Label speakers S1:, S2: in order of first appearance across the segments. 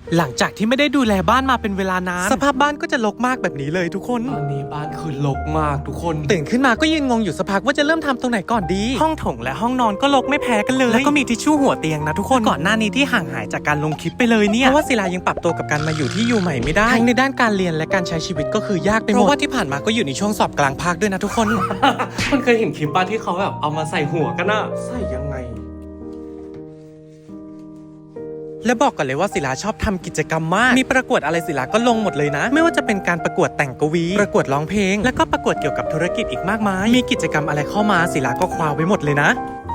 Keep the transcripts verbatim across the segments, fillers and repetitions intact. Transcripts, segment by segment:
S1: หลังจากที่ไม่ได้ดูแลบ้านมาเป็นเวลานานสภาพบ้านก็จะรกมากแบบนี้เลยทุกคนตอนนี้บ้านคือรกมากทุกคนตื่นขึ้นมาก็ยืนงงอยู่สักพักว่าจะเริ่มทำตรงไหนก่อนดีห้องโถงและห้องนอนก็รกไม่แพ้กันเลยแล้วก็มีทิชชู่หัวเตียงนะทุกคนก่อนหน้านี้ที่ห่างหายจากการลงคลิปไปเลยเนี่ยเพราะว่าศิลายังปรับตัวกับการมาอยู่ที่อยู่ใหม่ไม่ได้ทั้งในด้านการเรียนและการใช้ชีวิตก็คือยากไปหมดเพราะว่าที่ผ่านมาก็อยู่ในช่วงสอบกลางภาคด้วยนะทุกคน
S2: คนเคยเห็นคลิปป้าที่เขาแบบเอามาใส่หัวกันอะ
S1: ใส่ยังไงและบอกก่อนเลยว่าศิลาชอบทำกิจกรรมมากมีประกวดอะไรศิลาก็ลงหมดเลยนะไม่ว่าจะเป็นการประกวดแต่งกวีประกวดร้องเพลงแล้วก็ประกวดเกี่ยวกับธุรกิจอีกมากมายมีกิจกรรมอะไรเข้ามาศิลาก็คว้าไว้หมดเลยนะ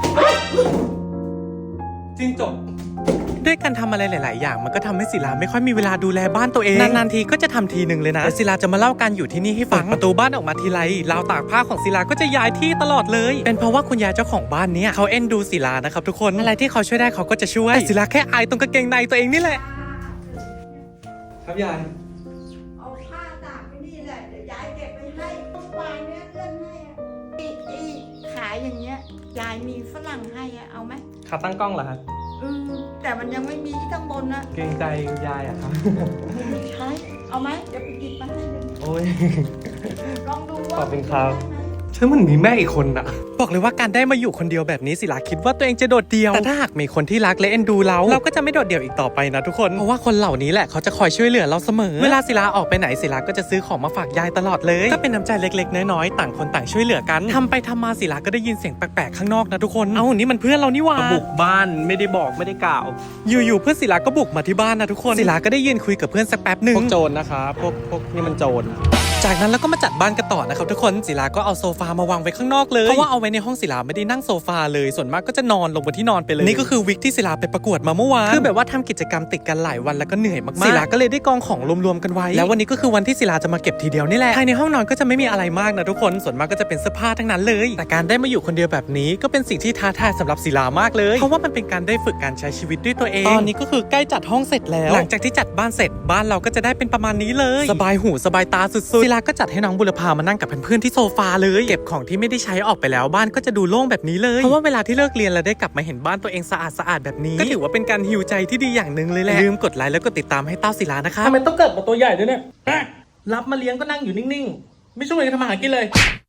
S2: จริงจบ
S1: ด้วยการทำอะไรหลาย ๆ อย่างมันก็ทำให้ศิลาไม่ค่อยมีเวลาดูแลบ้านตัวเองนาน ๆ ทีก็จะทำทีหนึ่งเลยนะแต่ศิลาจะมาเล่าการอยู่ที่นี่ให้ฟังประตูบ้านออกมาทีไรราวตากผ้าของศิลาก็จะย้ายที่ตลอดเลยเป็นเพราะว่าคุณยายเจ้าของบ้านเนี้ยเขาเอ็นดูศิลานะครับทุกคนอะไรที่เขาช่วยได้เขาก็จะช่วยแต่ศิลาแค่อายตรงกางเกงในตัวเองนี่แหละ
S2: ครับยาย
S3: เอาผ้าตากไปนี่แหละเดี๋ยวยายเก็บไปให้เมื่อวานเนี้ยเอื้อนให้อะอีอีขายอย่างเงี้ยยายมีฝรั่งให้อะเอาไหม
S2: ขาตั้งกล้องเหรอครับ
S3: อืมแต่มันยังไม่มีที่ข้างบนนะ
S2: เกรงใจยายอะครับ
S3: ไม่ใช้เอาไหมเดี๋ยวไปกินมาให้เลย
S2: โอ้ย
S3: ลองดูว่า
S2: ขอบคุณครับฉันมันมีแม่อีกคนอะ
S1: บอกเลยว่าการได้มาอยู่คนเดียวแบบนี้ศิลาคิดว่าตัวเองจะโดดเดี่ยวแต่ถ้าหากมีคนที่รักและเอ็นดูเราเราก็จะไม่โดดเดี่ยวอีกต่อไปนะทุกคนเพราะว่าคนเหล่านี้แหละเขาจะคอยช่วยเหลือเราเสมอเวลาศิลาออกไปไหนศิลาก็จะซื้อของมาฝากยายตลอดเลยก็เป็นน้ำใจเล็กๆน้อยๆต่างคนต่างช่วยเหลือกันทำไปทำมาศิลาก็ได้ยินเสียงแปลกๆข้างนอกนะทุกคนเอ้านี่มันเพื่อนเรานี่หว่า
S2: บุกบ้านไม่ได้บอกไม่ได้กล่าว
S1: อยู่ๆเพื่อนศิลาก็บุกมาที่บ้านนะทุกคนศิลาก็ได้ยืนคุยกับเพื่อนสักแป๊บหนึ่ง
S2: พวกโจรนะครับพวกพวกนี่มันโจร
S1: จากนั้นเราก็มาจัดบ้านกันต่อนะครับทุกคนศิลาก็เอาโซฟามาวางไว้ข้างนอกเลยเพราะว่าเอาไว้ในห้องศิลาไม่ได้นั่งโซฟาเลยส่วนมากก็จะนอนลงบนที่นอนไปเลยนี่ก็คือวิกที่ศิลาไปประกวดมาเมื่อวานคือแบบว่าทำกิจกรรมติดกันหลายวันแล้วก็เหนื่อยมากๆศิลาก็เลยได้กองของรวมๆกันไว้แล้ววันนี้ก็คือวันที่ศิลาจะมาเก็บทีเดียวนี่แหละภายในห้องนอนก็จะไม่มีอะไรมากนะทุกคนส่วนมากก็จะเป็นเสื้อผ้าทั้งนั้นเลยแต่การได้มาอยู่คนเดียวแบบนี้ก็เป็นสิ่งที่ท้าทายสำหรับศิลามากเลยเพราะว่ามันเป็นการได้ฝึกการใช้ชีวิตด้วยตัวเองตอนนี้ก็คือใกล้จัดห้องเสร็จแล้วหลังจากที่จัดบ้านเสร็จบ้านเราก็จะได้เป็นประมาณนี้เลยสบายหูสบายตาสุดๆศิลาก็จัดให้น้องบุรพามานั่งกับเพื่อนๆที่โซฟาเลยเก็บของที่ไม่ได้ใช้ออกไปแล้วบ้านก็จะดูโล่งแบบนี้เลยเพราะว่าเวลาที่เลิกเรียนแล้วได้กลับมาเห็นบ้านตัวเองสะอาดสะอาดแบบนี้ก็ถือว่าเป็นการฮีลใจที่ดีอย่างหนึ่งเลยแหละลืมกดไลค์แล้วก็ติดตามให้เต้าศิลานะคะ
S2: ทำไมต้องเกิดมาตัวใหญ่ด้วยเนี่ยรับมาเลี้ยงก็นั่งอยู่นิ่งๆไม่ช่วยกันทำอาหารกินเลย